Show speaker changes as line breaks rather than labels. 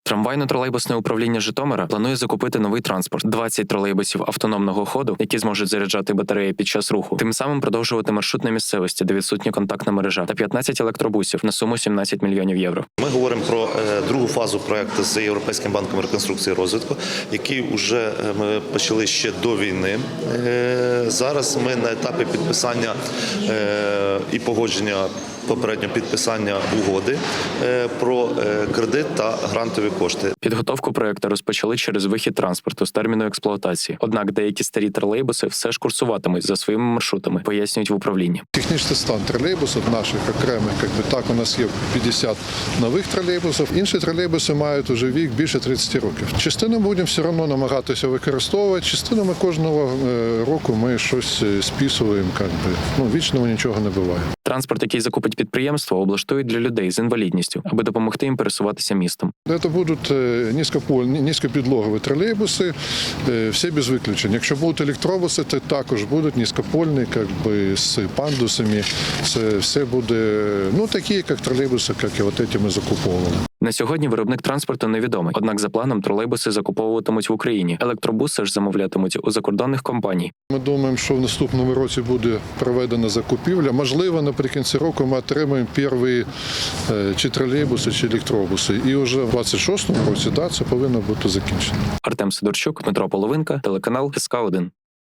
Трамвайно-тролейбусне управління Житомира планує закупити новий транспорт – 20 тролейбусів автономного ходу, які зможуть заряджати батареї під час руху, тим самим продовжувати маршрут на місцевості, де відсутня контактна мережа, та 15 електробусів на суму 17 мільйонів євро.
Ми говоримо про другу фазу проекту з Європейським банком реконструкції і розвитку, який вже ми почали ще до війни. Зараз ми на етапі підписання і погодження попереднього підписання угоди про кредит та грантові кошти.
Підготовку проекту розпочали через вихід транспорту з терміну експлуатації. Однак деякі старі тролейбуси все ж курсуватимуть за своїми маршрутами, пояснюють в управлінні.
Технічний стан тролейбусів наших окремих, так у нас є 50 нових тролейбусів. Інші тролейбуси мають уже вік більше 30 років. Частину будемо все одно намагатися використовувати, частину ми кожного року ми щось списуємо, вічного нічого не буває.
Транспорт, який закупить підприємство, облаштують для людей з інвалідністю, аби допомогти їм пересуватися містом.
Це будуть низькопідлогові тролейбуси, всі без виключень. Якщо будуть електробуси, то також будуть низькопольні, з пандусами. Це все буде, такі, як тролейбуси, як і ці ми закуповували.
На сьогодні виробник транспорту невідомий, однак за планом тролейбуси закуповуватимуть в Україні. Електробуси ж замовлятимуть у закордонних компаній.
Ми думаємо, що в наступному році буде проведена закупівля. Можливо, наприкінці року ми отримаємо перші чи тролейбуси, чи електробуси. І вже в 26-му році це повинно бути закінчено.
Артем Сидорчук, Дмитро Половинка, телеканал СК1.